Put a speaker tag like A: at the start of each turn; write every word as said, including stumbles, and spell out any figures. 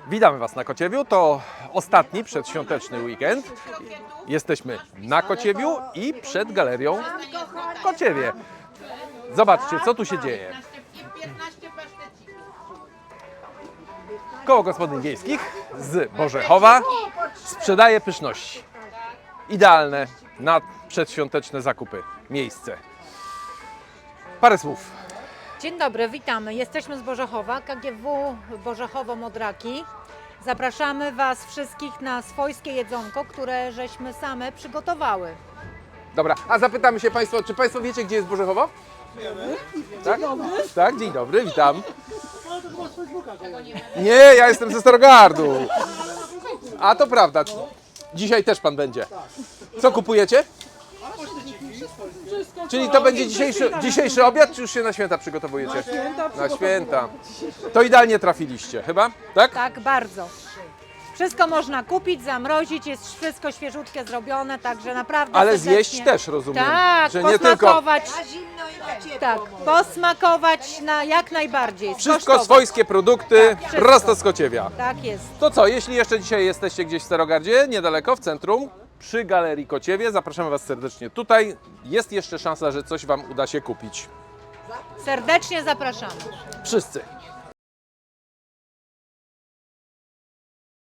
A: Witamy Was na Kociewiu. To ostatni przedświąteczny weekend. Jesteśmy na Kociewiu i przed galerią w Kociewie. Zobaczcie, co tu się dzieje. Koło Gospodyń Wiejskich z Bożechowa sprzedaje pyszności. Idealne na przedświąteczne zakupy miejsce. Parę słów.
B: Dzień dobry, witamy. Jesteśmy z Bożechowa, K G W Bożechowo-Modraki. Zapraszamy Was wszystkich na swojskie jedzonko, które żeśmy same przygotowały.
A: Dobra, a zapytamy się Państwa, czy Państwo wiecie, gdzie jest Bożechowo? Wiemy. Tak? Dzień dobry. Tak, dzień dobry, witam. Nie, ja jestem ze Starogardu. A to prawda. Dzisiaj też Pan będzie. Co kupujecie? Czyli to będzie dzisiejszy, dzisiejszy obiad, czy już się na święta przygotowujecie? Na święta. Na święta. To idealnie trafiliście, chyba? Tak?
B: Tak, bardzo. Wszystko można kupić, zamrozić, jest wszystko świeżutkie zrobione, także naprawdę
A: Ale
B: serdecznie-
A: zjeść też, rozumiem.
B: Tak,
A: że nie tylko
B: posmakować. Tak, posmakować na jak najbardziej.
A: wszystko
B: skosztować.
A: swojskie produkty
B: Tak, wszystko.
A: prosto z Kociewia.
B: Tak jest.
A: To co, jeśli jeszcze dzisiaj jesteście gdzieś w Starogardzie, niedaleko, w centrum, przy Galerii Kociewie, zapraszamy Was serdecznie tutaj. Jest jeszcze szansa, że coś Wam uda się kupić.
B: Serdecznie zapraszamy.
A: Wszyscy.